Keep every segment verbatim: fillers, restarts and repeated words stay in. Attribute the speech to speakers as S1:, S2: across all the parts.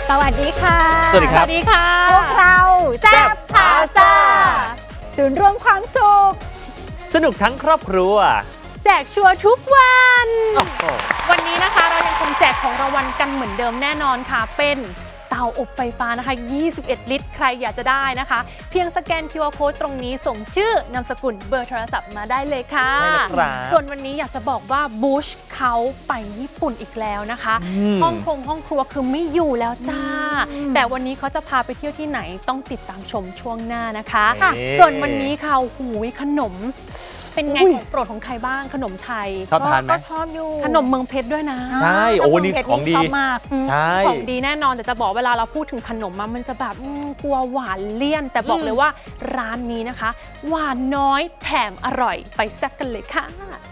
S1: สวัสดีค่ะ
S2: สวัสดีครับ
S1: สวัสดีค่ะพวกเราแซ่บพาซาศูนย์รวมความสุข
S2: สนุกทั้งครอบครัว
S1: แจกชัวร์ทุกวัน
S2: oh.
S1: วันนี้นะคะเรายังคงแจกของรางวัลกันเหมือนเดิมแน่นอนค่ะเป็นเตาอบไฟฟ้านะคะยี่สิบเอ็ดลิตรใครอยากจะได้นะคะเพียงสแกน คิว อาร์ Code ตรงนี้ส่งชื่อนามสกุลเบอร์โทรศัพท์มาได้เลยค่ะส่วนวันนี้อยากจะบอกว่าบูชเขาไปญี่ปุ่นอีกแล้วนะคะห้องคงห้องครัวคือไม่อยู่แล้วจ้าแต่วันนี้เขาจะพาไปเที่ยวที่ไหนต้องติดตามชมช่วงหน้านะคะส่วนวันนี้ค่ะหูยขนมเป็นไงของโปรดของใครบ้างขนมไทย
S2: ชอบทานไหม
S1: ก็ชอบอยู่ขนมเมืองเพชรด้วยนะ
S2: ใช่โอ้นี่ของดี
S1: มากของดีแน่นอนแต่จะบอกเวลาเราพูดถึงขนมมันจะแบบกลัวหวานเลี่ยนแต่บอกเลยว่าร้านนี้นะคะหวานน้อยแถมอร่อยไปแซ่บกันเลยค่ะ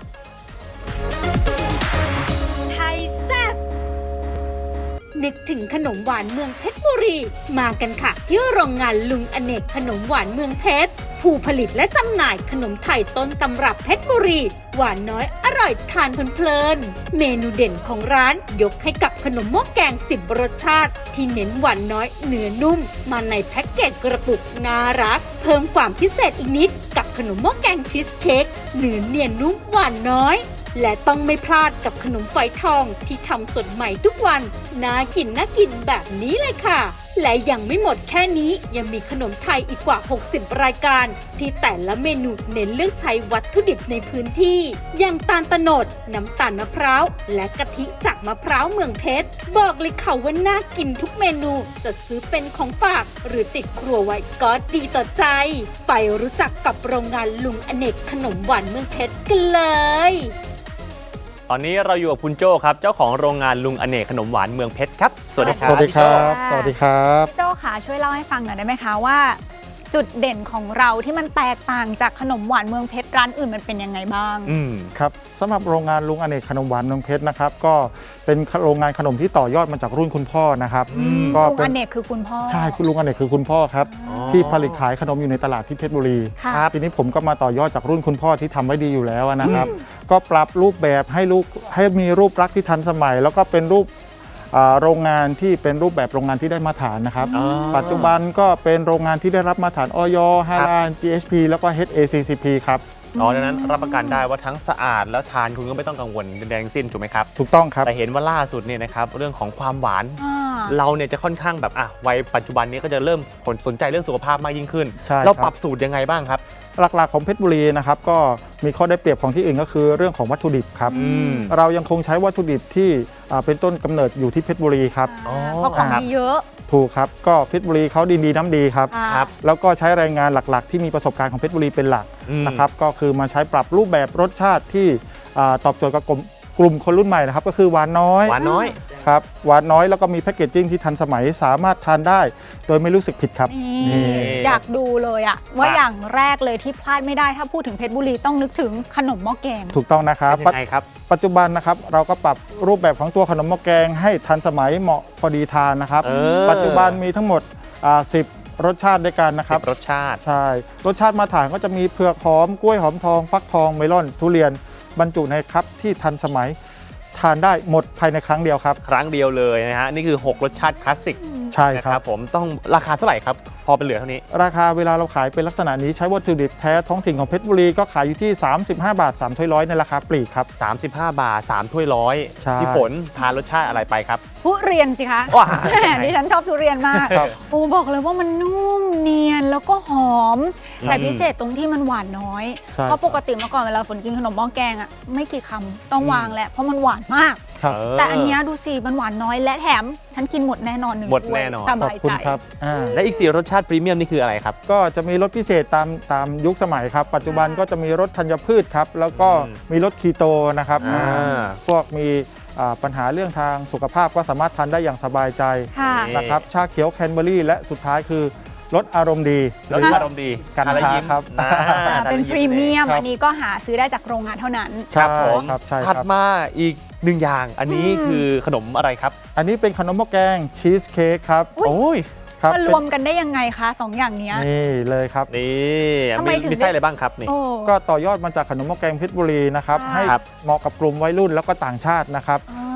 S3: ไทยแซ่บนึกถึงขนมหวานเมืองเพชรบุรีมากันค่ะที่โรงงานลุงอเนกขนมหวานเมืองเพชรผู้ผลิตและจำหน่ายขนมไทยต้นตำรับเพชรบุรีหวานน้อยอร่อยทานเพลินๆเมนูเด่นของร้านยกให้กับขนมหม้อแกงสิบรสชาติที่เน้นหวานน้อยเนื้อนุ่มมาในแพ็กเกจกระปุกน่ารักเพิ่มความพิเศษอีกนิดกับขนมหม้อแกงชีสเค้กเนื้อเนียนนุ่มหวานน้อยและต้องไม่พลาดกับขนมฝอยทองที่ทำสดใหม่ทุกวันน่ากินน่ากินแบบนี้เลยค่ะและยังไม่หมดแค่นี้ยังมีขนมไทยอีกกว่าหกสิบรายการที่แต่ละเมนูเน้นเลือกใช้วัตถุดิบในพื้นที่อย่างตาลตะโนดน้ำตาลมะพร้าวและกะทิจากมะพร้าวเมืองเพชรบอกเลยค่ะว่าน่ากินทุกเมนูจะซื้อเป็นของฝากหรือติดครัวไว้ก็ดีต่อใจไปรู้จักกับโรงงานลุงอเนกขนมหวานเมืองเพชรกันเลย
S2: ตอนนี้เราอยู่กับคุณโจ้ครับเจ้าของโรงงานลุงอเนกขนมหวานเมืองเพชรครับสวัสดีครับ
S4: สวัสดีครับสวัสดีครับ
S1: โจ้ค่ะช่วยเล่าให้ฟังหน่อยได้ไหมคะว่าจุดเด่นของเราที่มันแตกต่างจากขนมหวานเมืองเพชรร้านอื่นมันเป็นยังไงบ้าง
S4: อืมครับสำหรับโรงงานลุงอเนกขนมหวานเมืองเพชรนะครับก็เป็นโรงงานขนมที่ต่อยอดมาจากรุ่นคุณพ่อนะครับ
S1: ก็ลุงอเนกคือคุณพ่อ
S4: ใช่คุณลุงอเนกคือคุณพ่อครับที่ผลิตขายขนมอยู่ในตลาดที่เพชรบุรีทีนี้ผมก็มาต่อยอดจากรุ่นคุณพ่อที่ทำไว้ดีอยู่แล้วนะครับก็ปรับรูปแบบให้ลูกให้มีรูปลักษณ์ที่ทันสมัยแล้วก็เป็นรูปโรงงานที่เป็นรูปแบบโรงงานที่ได้มาตรฐานนะครับปัจจุบันก็เป็นโรงงานที่ได้รับมาตรฐาน อย ฮาลาล จี เอช พี แล้วก็ เอช เอ ซี ซี พี ครับ
S2: อ๋อดังนั้นรับประกันได้ว่าทั้งสะอาดแล้วทานคุณก็ไม่ต้องกังวลใดๆสิ้นถูกไหมครับ
S4: ถูกต้องครับ
S2: แต่เห็นว่าล่าสุดเนี่ยนะครับเรื่องของความหวานเราเนี่ยจะค่อนข้างแบบอ่ะวัยปัจจุบันนี้ก็จะเริ่มสนใจเรื่องสุขภาพมากยิ่งขึ้นเราปรับสูตรยังไงบ้างครับ
S4: หลักๆของเพชรบุรีนะครับก็มีข้อได้เปรียบของที่อื่นก็คือเรื่องของวัตถุดิบครับเรายังคงใช้วัตถุดิบที่เป็นต้นกำเนิดอยู่ที่เพชรบุรีครับ
S1: เพราะของมีเยอะ
S4: ถูกครับก็เพชรบุรีเขาดินดีน้ำดีครับแล้วก็ใช้แรงงานหลักๆที่มีประสบการณ์ของเพชรบุรีเป็นหลักนะครับก็คือมาใช้ปรับรูปแบบรสชาติที่ตอบโจทย์กับกลุ่มคนรุ่นใหม่นะครับก็คือหวานน้อย
S2: หวานน้อย
S4: ครับหวานน้อยแล้วก็มีแพคเกจจิ้งที่ทันสมัยสามารถทานได้โดยไม่รู้สึกผิดครับ
S1: อยากดูเลยอะว่าอย่างแรกเลยที่พลาดไม่ได้ถ้าพูดถึงเพชรบุรีต้องนึกถึงขนมหม้อแกง
S4: ถูกต้องนะครับ
S2: ยังไงครับ
S4: ปัจจุบันนะครับเราก็ปรับรูปแบบของตัวขนมหม้อแกงให้ทันสมัยเหมาะพอดีทานนะครับปัจจุบันมีทั้งหมดสิบรสชาติด้วยกันนะครับ
S2: รสชาติ
S4: ใช่รสชาติมาตรฐานก็จะมีเผือกหอมกล้วยหอมทองฟักทองเมลอนทุเรียนบรรจุในครับที่ทันสมัยทานได้หมดภายในครั้งเดียวครับ
S2: ครั้งเดียวเลยนะฮะนี่คือหกรสชาติคลาสสิก
S4: ใช่
S2: ครับผมต้องราคาเท่าไหร่ครับพอเป็นเหลือเท่านี้
S4: ราคาเวลาเราขายเป็นลักษณะนี้ใช้วัตถุดิบแท้ท้องถิ่นของเพชรบุรีก็ขายอยู่ที่สามสิบห้าบาทสามถ้วยร้อยในราคาปลีกครับ
S2: สามสิบห้าบาทสามถ้วยร้อยพี่ฝนทานรสชาติอะไรไปครับ
S1: ทุเรียนสิคะดิฉันชอบทุเรียนมากโอ้บอกเลยว่ามันนุ่มเนียนแล้วก็หอมแต่พิเศษตรงที่มันหวานน้อยเพราะปกติเมื่อก่อนเวลาฝนกินขนมหม้อแกงอ่ะไม่กี่คำต้องวางแหละเพราะมันหวานมากแต่อันนี้ดูสิมันหวานน้อยและแถมฉันกินหมดแน่นอนหนึ่ง
S2: หมดแน่นอน
S1: สบายใจ
S2: และอีกสี่รสชาติพรีเมียมนี่คืออะไรครับ
S4: ก็จะมีรสพิเศษตามตามยุคสมัยครับปัจจุบันก็จะมีรสธัญพืชครับแล้วก็มีรสคีโตนะครับพวกมีปัญหาเรื่องทางสุขภาพก็สามารถทานได้อย่างสบายใจนะครับชาเขียวแคนเบอรี่และสุดท้ายคือรสอารมณ์ดี
S2: รสอารมณ์ดี
S4: กันทาครับ
S1: เป็นพรีเมียมอันนี้ก็หาซื้อได้จากโรงงานเท่านั้น
S2: ครับผมถัดมาอีกหนึ่งอย่างอันนี้คือขนมอะไรครับ
S4: อันนี้เป็นขนมหม้อแกงชีสเค้กครับ
S2: โอ้ย
S1: มารวมกันได้ยังไงคะสองอย่างนี้
S4: นี่เลยครับ
S2: นี่ทำไมถึงมีไส้อะไรบ้างครับนี่
S4: ก็ต่อยอดมาจากขนมหม้อแกงเพชรบุรีนะครับให้เหมาะกับกลุ่มวัยรุ่นแล้วก็ต่างชาตินะครับ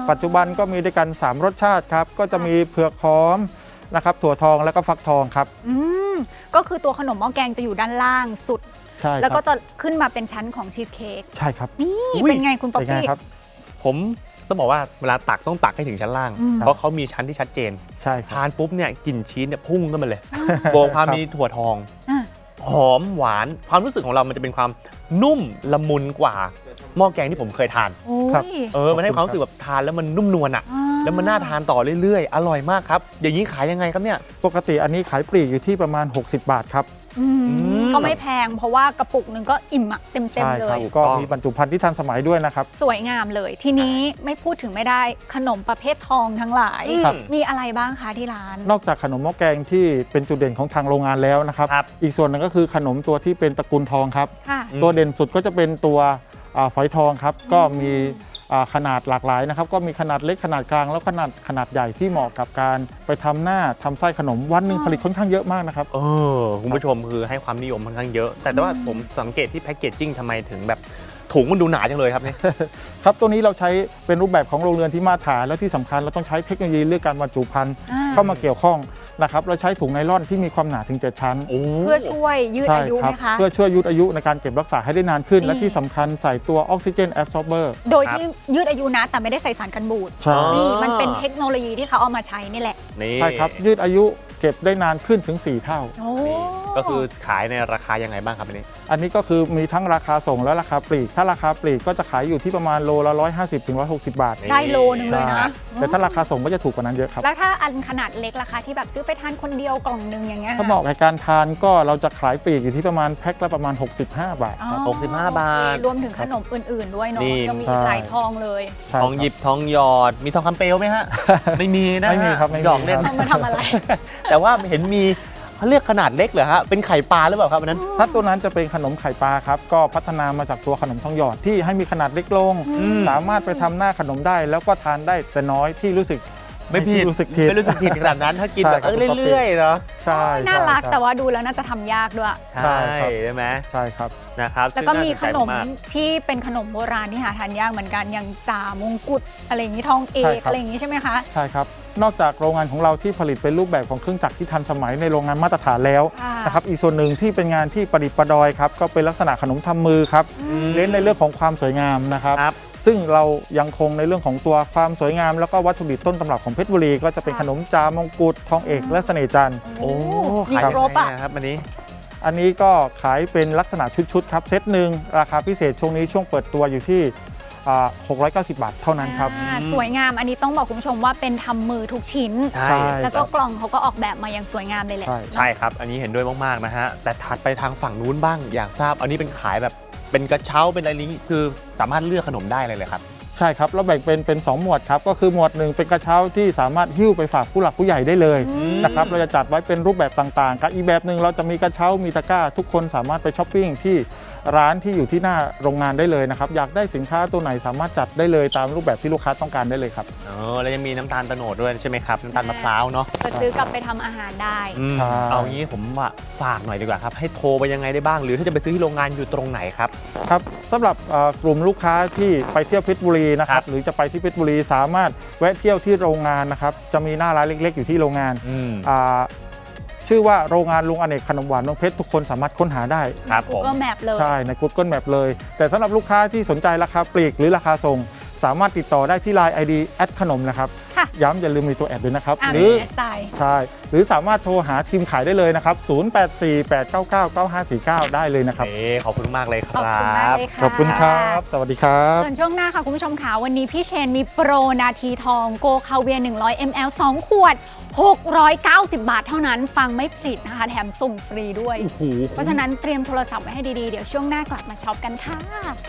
S4: ปัจจุบันก็มีด้วยกันสามรสชาติครับก็จะมีเผือกหอมนะครับถั่วทองแล้วก็ฟักทองครับ
S5: อืมก็คือตัวขนมหม้อแกงจะอยู่ด้านล่างสุด
S4: ใช่
S5: แล้วก็จะขึ้นมาเป็นชั้นของชีสเค้ก
S4: ใช่ครับ
S5: นี่เป็นไงคุณป๊อปปี้
S4: ครับ
S2: ผมต้องบอกว่าเวลาตักต้องตักให้ถึงชั้นล่าง เพราะเขามีชั้นที่ชัดเจน
S4: ใช่
S2: ทานปุ๊บเนี่ยกลิ่นชีสเนี่ยพุ่งขึ้นมาเลยบวกความมีถั่วทองหอมหวานความรู้สึกของเรามันจะเป็นความนุ่มละมุนกว่าหม้อแกงที่ผมเคยทาน
S4: ครับ
S2: เออมันให้ความรู้สึกแบบทานแล้วมันนุ่มนวลอ่ะแล้วมันน่าทานต่อเรื่อยๆอร่อยมากครับอย่างนี้ขายยังไงครับเนี่ย
S4: ปกติอันนี้ขายปลีกอยู่ที่ประมาณหกสิบบาทครับ
S5: ก็ไม่แพงเพราะว่ากระปุกหนึ่งก็อิ่มอะเต็มๆเลย
S4: ก็มีบรรจุภัณฑ์ที่ทันสมัยด้วยนะครับ
S5: สวยงามเลยทีนี้ไม่พูดถึงไม่ได้ขนมประเภททองทั้งหลายมีอะไรบ้างคะที่ร้าน
S4: นอกจากขนมหม้อแกงที่เป็นจุดเด่นของทางโรงงานแล้วนะครับอีกส่วนหนึ่งก็คือขนมตัวที่เป็นตระกูลทองครับตัวเด่นสุดก็จะเป็นตัวฝอยทองครับก็มีขนาดหลากหลายนะครับก็มีขนาดเล็กขนาดกลางแล้วขนาดขนาดใหญ่ที่เหมาะกับการไปทำหน้าทำไส้ขนมวันหนึ่งผลิตค่อนข้างเยอะมากนะครับ
S2: เออคุณผู้ชมคือให้ความนิยมค่อนข้างเยอะ แต่ว่าผมสังเกตที่แพ็กเกจจิ้งทำไมถึงแบบถุงมันดูหนาจังเลยครับเนี่ย
S4: ครับตัวนี้เราใช้เป็นรูปแบบของโรงเรือนที่มาตรฐานแล้วที่สำคัญเราต้องใช้เทคโนโลยีเรื่องการบรรจุภัณฑ์เข้ามาเกี่ยวข้องนะครับเราใช้ถุงไนล่อนที่มีความหนาถึงเจ็ดชั้น
S5: เพื่อช่วยยืดอายุไหมคะ
S4: เพื่อช่วยยืดอายุในการเก็บรักษาให้ได้นานขึ้นและที่สำคัญใส่ตัวออกซิเจนแอบซอร์เบอร์
S5: โดยที่ยืดอายุนะแต่ไม่ได้ใส่สารกันบูดนี่มันเป็นเทคโนโลยีที่เขาเอามาใช้นี่แหละ
S4: ใช่ครับยืดอายุเก็บได้นานขึ้นถึงสี่เท่า
S2: ก็คือขายในราคายังไงบ้างครับอันนี้
S4: อันนี้ก็คือมีทั้งราคาส่งและราคาปลีกถ้าราคาปลีกก็จะขายอยู่ที่ประมาณโลละหนึ่งร้อยห้าสิบถึงหนึ่งร้อยหกสิบบาท
S5: ได้โลนึงเลยนะ
S4: แต่ถ้าราคาส่งก็จะถูกกว่านั้นเยอะครับ
S5: แล้วถ้าอันขนาดเล็กราคาที่แบบซื้อไปทานคนเดียวกล่องนึงอย่างเงี้ย
S4: ถ้าเหมาะกับการทานก็เราจะขายปลีกอยู่ที่ประมาณแพ็คละประมาณหกสิบห้าบาท
S2: หกสิบห้าบาท
S5: รวมถึงขนมอื่นๆด้วยเนาะยังมีอีกหลายทองเลย
S2: ทองหยิบทองหยอดมีทองคำเปลวไหมฮะไม่มีนะ
S4: ไม่มีครับไม่
S2: ดอกเล่น
S5: มาทำอะไร
S2: แต่ว่าเห็นมีเขาเรียกขนาดเล็กเหรอฮะเป็นไข่ปลาหรือเปล่าครับอันนั้น
S4: ถ้าตัวนั้นจะเป็นขนมไข่ปลาครับก็พัฒนามาจากตัวขนมทองหยอดที่ให้มีขนาดเล็กลงสามารถไปทำหน้าขนมได้แล้วก็ทานได้แต่น้อยที่รู้สึก
S2: ไม่ผิด
S4: รู้สึกผิด
S2: ไม่รู้สึกผิดขนาดนั้นถ้ากินแบบเรื่อยๆเนาะ
S4: ใช่
S5: น่ารักแต่ว่าดูแล้วน่าจะทำยากด้วย
S2: ใช่ใช่ไหม
S4: ใช่ครับ
S2: นะครับ
S5: แล้วก็มีขนมที่เป็นขนมโบราณที่หาทานยากเหมือนกันอย่างจ่ามงกุฎอะไรอย่างนี้ทองเอกอะไรอย่างนี้ใช่ไหมคะ
S4: ใช่ครับนอกจากโรงงานของเราที่ผลิตเป็นรูปแบบของเครื่องจักรที่ทันสมัยในโรงงานมาตรฐานแล้วนะครับอีกส่วนหนึ่งที่เป็นงานที่ประดิษฐ์ประดอยครับก็เป็นลักษณะขนมทำมือครับเน้นในเรื่องของความสวยงามนะครับซึ่งเรายังคงในเรื่องของตัวความสวยงามแล้วก็วัตถุดิบต้นตำรับของเพชรบุรีก็จะเป็นขนมจามงกุฎทองเอกและเสน่ห์จันทร์
S2: โอ้ขายครบอ่ะครับอันนี้
S4: อันนี้ก็ขายเป็นลักษณะชุดๆครับเซตหนึ่งราคาพิเศษช่วงนี้ช่วงเปิดตัวอยู่ที่หกร้อยเก้าสิบบาทเท่านั้นครับ
S5: สวยงามอันนี้ต้องบอกคุณผู้ชมว่าเป็นทำมือทุกชิ้น
S2: ใช่
S5: แล้วก็กล่องเขาก็ออกแบบมาอย่างสวยงามเลยแหละ
S2: ใช่ครับอันนี้เห็นด้วยมากๆนะฮะแต่ถัดไปทางฝั่งนู้นบ้างอยากทราบอันนี้เป็นขายแบบเป็นกระเช้าเป็นอะไรนี้คือสามารถเลือกขนมได้เลยเลยครับ
S4: ใช่ครับเราแบ่งเป็นเป็นสองหมวดครับก็คือหมวดหนึ่งเป็นกระเช้าที่สามารถหิ้วไปฝากผู้หลักผู้ใหญ่ได้เลยนะครับเราจะจัดไว้เป็นรูปแบบต่างๆกับอีกแบบหนึ่งเราจะมีกระเช้ามีตะกร้าทุกคนสามารถไปช้อปปิ้งที่ร้านที่อยู่ที่หน้าโรงงานได้เลยนะครับอยากได้สินค้าตัวไหนสามารถจัดได้เลยตามรูปแบบที่ลูกค้าต้องการได้เลยครับ
S2: อ๋อแล้วยังมีน้ำตาลโตโนดด้วยใช่ไหมครับน้ำตาลมะพร้าวเนาะ
S5: จะซื้อกลับไปทำอาหารได้
S2: เอางี้ผมว่าฝากหน่อยดีกว่าครับให้โทรไปยังไงได้บ้างหรือถ้าจะไปซื้อที่โรงงานอยู่ตรงไหนครับ
S4: ครับสำหรับกลุ่มลูกค้าที่ไปเที่ยวเพชรบุรีนะครับหรือจะไปที่เพชรบุรีสามารถแวะเที่ยวที่โรงงานนะครับจะมีหน้าร้านเล็กๆอยู่ที่โรงงานชื่อว่าโรงงานลุงอเนกขนมหวานเมืองเพชรทุกคนสามารถค้นหาได้
S2: ครับผม
S5: Google Map เลย
S4: ใช่ใน Google Map เลยแต่สำหรับลูกค้าที่สนใจราคาปลีกหรือราคาส่งสามารถติดต่อได้ที่ ไลน์ ไอ ดี แอดขนมนะครับย้ำอย่าลืมมีตัวแอดด้วยนะครับ
S5: หรือ
S4: ใช่หรือสามารถโทรหาทีมขายได้เลยนะครับศูนย์ แปด สี่ แปด เก้า เก้า เก้า ห้า สี่ เก้าได้เลยนะครับ
S2: ขอบคุณมากเลยค
S5: รับ
S4: ขอบคุณครับสวัสดีครับ
S5: ส่วนช่วงหน้าค่ะคุณผู้ชมค่ะวันนี้พี่เชนมีโปรนาทีทองโกคาเวียหนึ่งร้อยมิลลิลิตร สองขวดหกร้อยเก้าสิบบาทเท่านั้นฟังไม่ผิดนะคะแถมส่งฟรีด้วยเพราะฉะนั้นเตรียมโทรศัพท์ไว้ให้ดีๆเดี๋ยวช่วงหน้ากลับมาช็อปกันค่ะ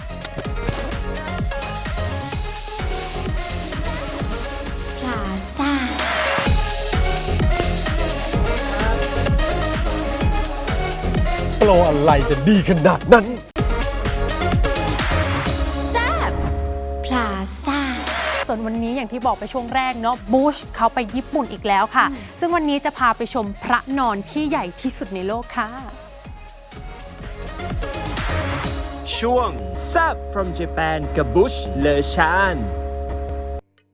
S3: พลาซ่า
S2: โปรอะไรจะดีขนาดนั้น
S3: แซ่บพลาซ่า
S1: ส่วนวันนี้อย่างที่บอกไปช่วงแรกเนาะบูชเขาไปญี่ปุ่นอีกแล้วค่ะซึ่งวันนี้จะพาไปชมพระนอนที่ใหญ่ที่สุดในโลกค่ะ
S6: ช่วง Zap from Japan กับ Bush เลอชาน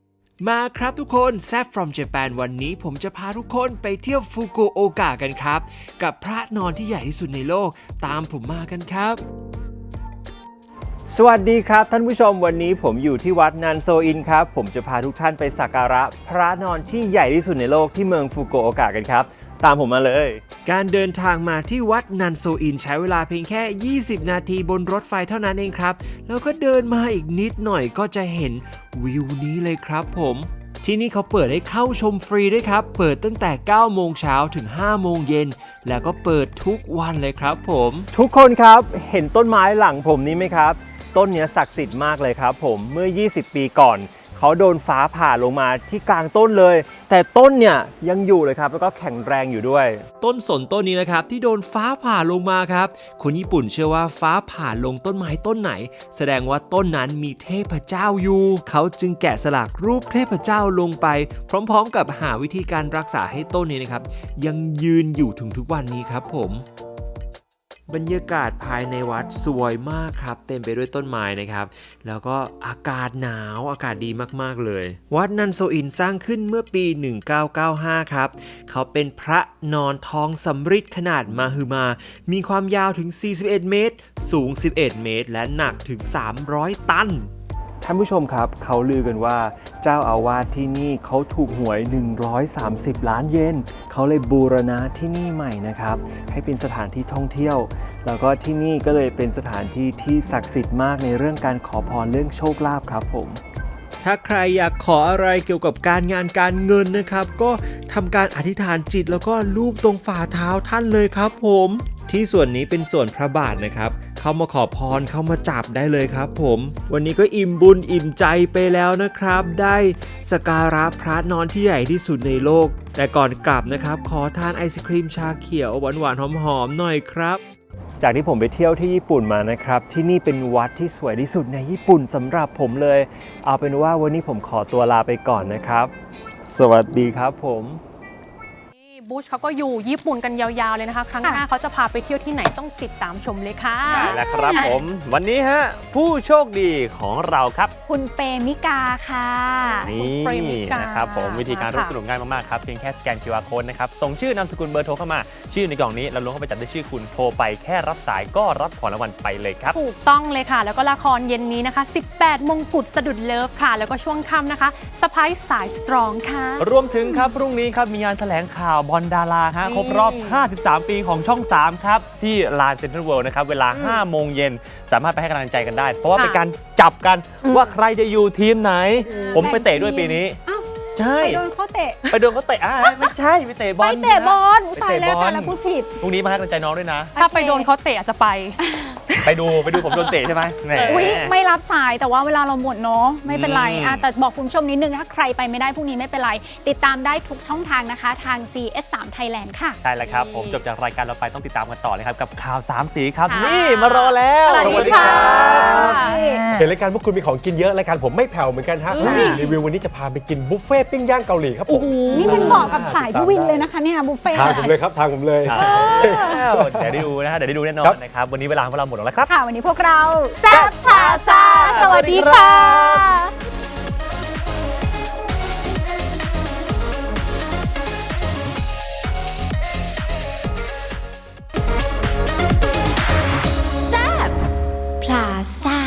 S6: มาครับทุกคนแซฟ from Japan วันนี้ผมจะพาทุกคนไปเที่ยวฟุกุโอกะกันครับกับพระนอนที่ใหญ่ที่สุดในโลกตามผมมากันครับ
S7: สวัสดีครับท่านผู้ชมวันนี้ผมอยู่ที่วัดนันโซอินครับผมจะพาทุกท่านไปสักการะพระนอนที่ใหญ่ที่สุดในโลกที่เมืองฟุกุโอกะกันครับตามผมมาเลย
S6: การเดินทางมาที่วัดนันโซอินใช้เวลาเพียงแค่ยี่สิบนาทีบนรถไฟเท่านั้นเองครับแล้วก็เดินมาอีกนิดหน่อยก็จะเห็นวิวนี้เลยครับผมที่นี่เขาเปิดให้เข้าชมฟรีด้วยครับเปิดตั้งแต่เก้าโมงเช้าถึงห้าโมงเย็นแล้วก็เปิดทุกวันเลยครับผม
S7: ทุกคนครับเห็นต้นไม้หลังผมนี้ไหมครับต้นนี้ศักดิ์สิทธิ์มากเลยครับผมเมื่อยี่สิบปีก่อนเขาโดนฟ้าผ่าลงมาที่กลางต้นเลยแต่ต้นเนี่ยยังอยู่เลยครับแล้วก็แข็งแรงอยู่ด้วย
S6: ต้นสนต้นนี้นะครับที่โดนฟ้าผ่าลงมาครับคนญี่ปุ่นเชื่อว่าฟ้าผ่าลงต้นไม้ต้นไหนแสดงว่าต้นนั้นมีเทพเจ้าอยู่เขาจึงแกะสลักรูปเทพเจ้าลงไปพร้อมๆกับหาวิธีการรักษาให้ต้นนี้นะครับยังยืนอยู่ถึงทุกวันนี้ครับผมบรรยากาศภายในวัดสวยมากครับเต็มไปด้วยต้นไม้นะครับแล้วก็อากาศหนาวอากาศดีมากๆเลยวัดนันโซอินสร้างขึ้นเมื่อปีหนึ่งพันเก้าร้อยเก้าสิบห้าครับเขาเป็นพระนอนทองสำริดขนาดมหึมามีความยาวถึงสี่สิบเอ็ดเมตรสูงสิบเอ็ดเมตรและหนักถึงสามร้อยตัน
S7: ท่านผู้ชมครับเขาลือกันว่าเจ้าอาวาสที่นี่เขาถูกหวยหนึ่งร้อยสามสิบล้านเยนเขาเลยบูรณะที่นี่ใหม่นะครับให้เป็นสถานที่ท่องเที่ยวแล้วก็ที่นี่ก็เลยเป็นสถานที่ที่ศักดิ์สิทธิ์มากในเรื่องการขอพรเรื่องโชคลาภครับผม
S6: ถ้าใครอยากขออะไรเกี่ยวกับการงานการเงินนะครับก็ทำการอธิษฐานจิตแล้วก็ลูบตรงฝ่าเท้าท่านเลยครับผมที่ส่วนนี้เป็นส่วนพระบาทนะครับเข้ามาขอพรเข้ามาจับได้เลยครับผมวันนี้ก็อิ่มบุญอิ่มใจไปแล้วนะครับได้สักการะพระนอนที่ใหญ่ที่สุดในโลกแต่ก่อนกลับนะครับขอทานไอศครีมชาเขียวหวานๆหอมๆหน่อยครับ
S7: จากที่ผมไปเที่ยวที่ญี่ปุ่นมานะครับที่นี่เป็นวัดที่สวยที่สุดในญี่ปุ่นสำหรับผมเลยเอาเป็นว่าวันนี้ผมขอตัวลาไปก่อนนะครับสวัสดีครับผม
S1: บูชเขาก็อยู่ญี่ปุ่นกันยาวๆเลยนะคะครั้งหน้าเขาจะพาไปเที่ยวที่ไหนต้องติดตามชมเลยค่ะ
S2: ใช่แล้วครับผมวันนี้ฮะผู้โชคดีของเราครับ
S5: คุณเปมิกาค่ะ
S2: นี่นะครับผมวิธีการร่วมสนุกง่ายมากๆครับเพียงแค่สแกน คิว อาร์ Code นะครับส่งชื่อนามสกุลเบอร์โทรเข้ามาชื่อในกล่องนี้แล้วลงเข้าไปจัดได้ชื่อคุณโทรไปแค่รับสายก็รับของรางวัลไปเลยครับ
S1: ถูกต้องเลยค่ะแล้วก็ละครเย็นนี้นะคะสิบแปดมงกุฎสะดุดเลิฟค่ะแล้วก็ช่วงค่ำนะคะสไปซ์สายสตรองค่ะ
S2: รวมถึงครับพรุ่งนี้ครับมีงานแถลงข่าวบอลดาราฮะครบรอบห้าสิบสามปีของช่องสามครับที่ลานเซ็นทรัลเวิลด์นะครับเวลาห้าโมงเย็นสามารถไปให้กำลังใจกันได้เพราะว่าเป็นการจับกันว่าใครจะอยู่ทีมไหนผมไปเตะด้วยปีนี้ใช่
S5: ไปโดนเขาเตะ
S2: ไปโดนเขาเตะอ่ะไม่ใช่ไปเตะบอล
S5: ไปเตะบอลตายแล้วแต่ละพูดผิด
S2: พรุ่งนี้มาให้กำลังใจน้องด้วยนะ
S1: ถ้าไปโดนเขาเตะอาจจะไป
S2: ไปดูไปดูผมโดนเตะใช่ไหม
S5: อุ๊ยไม่รับสายแต่ว่าเวลาเราหมดเนาะไม่เป็นไรอ่ะแต่บอกคุณผู้ชมนิดนึงถ้าใครไปไม่ได้พรุ่งนี้ไม่เป็นไรติดตามได้ทุกช่องทางนะคะทาง ซี เอส สาม Thailand ค่ะ
S2: ใช่แล้วครับผมจบจากรายการเราไปต้องติดตามกันต่อเลยครับกับข่าวสามสีครับนี่มารอแล้ว
S1: สวัสดีค่ะ
S8: เห็นรายการพวกคุณมีของกินเยอะรายการผมไม่แผ่วเหมือนกันฮะรีวิววันนี้จะพาไปกินบุฟเฟ่ปิ้งย่างเกาหลีครับผม
S5: นี่มันเหมาะกับสายพี่วินเลยนะคะเนี่ยบุฟเฟ่
S8: ทางผมเลยครับทางผมเลย
S2: เดี๋ยวได้ดูนะฮะเดี๋ยวได้ดูแน่นอนนะครับวันนี้เวลาของเราหมดแล้วครับ
S5: ค่ะวันนี้พวกเราแซ่บพาซาสวัสดีค่ะ
S3: แซ่บพลาซ่า